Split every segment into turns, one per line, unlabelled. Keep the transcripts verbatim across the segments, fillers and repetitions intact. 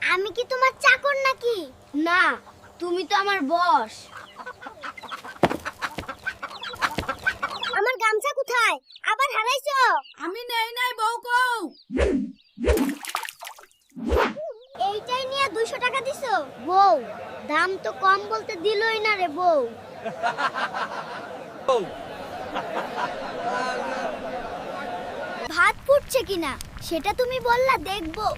আমি কি তোমার চাকর নাকি? না, তুমি তো আমার বস। আমার গামছা কোথায়? আবার হারাইছো?
আমি নেই নাই বউ কও।
এইটাই নিয়ে দুইশো টাকা দিছো? বউ, দাম তো কম বলতে দিলই না রে বউ। ভাত ফুটছে কিনা সেটা তুমি বললা দেখবো।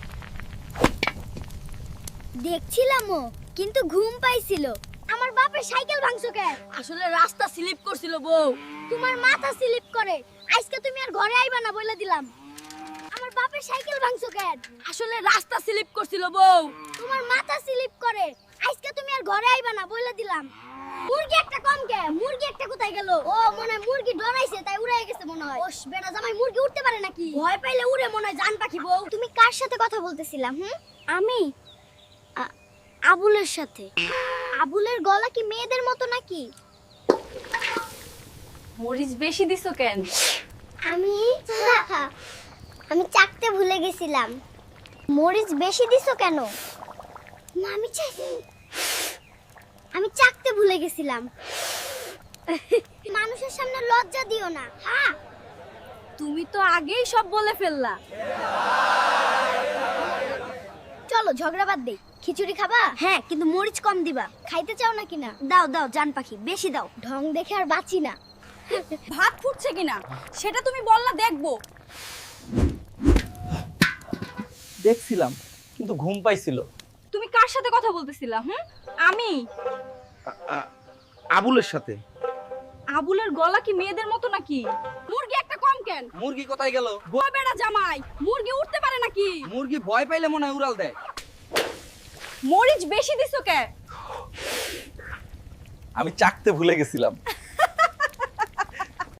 দেখছিলামও, কিন্তু ঘুম পাইছিল। আমার বাপের সাইকেল ভাঙছো কে?
আসলে রাস্তা স্লিপ করছিল বউ।
তোমার মাথা স্লিপ করে। আজকে তুমি আর ঘরে আইবা না বলে দিলাম। আমার বাপের সাইকেল ভাঙছো কে?
আসলে রাস্তা স্লিপ করছিল বউ।
তোমার মাথা স্লিপ করে। আজকে তুমি আর ঘরে আইবা না বলে দিলাম। মুরগি একটা কম কে? মুরগি একটা কোথায় গেল? ও মনে হয় মুরগি ডরাইছে তাই উড়ে গেছে মনে হয়। ওস বেটা জামাই মুরগি উঠতে পারে নাকি?
ভয় পাইলে উড়ে মনে হয় জান পাখি বউ।
তুমি কার সাথে কথা বলতেছিলা? হুম, আমি আ- আবুলের সাথে। আবুলের গলা কি মেয়েদের মতো নাকি?
মরিচ বেশি দিছো কেন?
আমি আমি চাকতে ভুলে গেছিলাম। মরিচ বেশি দিছো কেন? না আমি চাইছি আমি চাকতে ভুলে গেছিলাম। মানুষের সামনে লজ্জা দিও না। হ্যাঁ,
তুমি তো আগেই সব বলে ফেললা।
চলো ঝগড়া বাদ দেই। খিচুড়ি খাবা?
হ্যাঁ, কিন্তু মরিচ কম দিবা।
খাইতে চাও নাকি না?
দাও দাও জান পাখি, বেশি দাও।
ঢং দেখে আর বাঁচি না।
ভাত ফুটছে কিনা সেটা তুমি বললা দেখবো।
দেখছিলাম কিন্তু ঘুম পাইছিল।
তুমি কার সাথে কথা বলতেছিলা? হুম, আমি।
আ- আ- আবুলের সাথে।
আবুলের গলা কি মেয়েদের মতো নাকি? মুরগি একটা কম কেন?
মুরগি কোথায় গেল?
ও বেটা জামাই, মুরগি উঠতে পারে নাকি?
মুরগি ভয় পাইলে মনে হয় উড়াল দেয়।
মরিচ বেশি দিছো কে?
আমি চাকতে ভুলে গেছিলাম।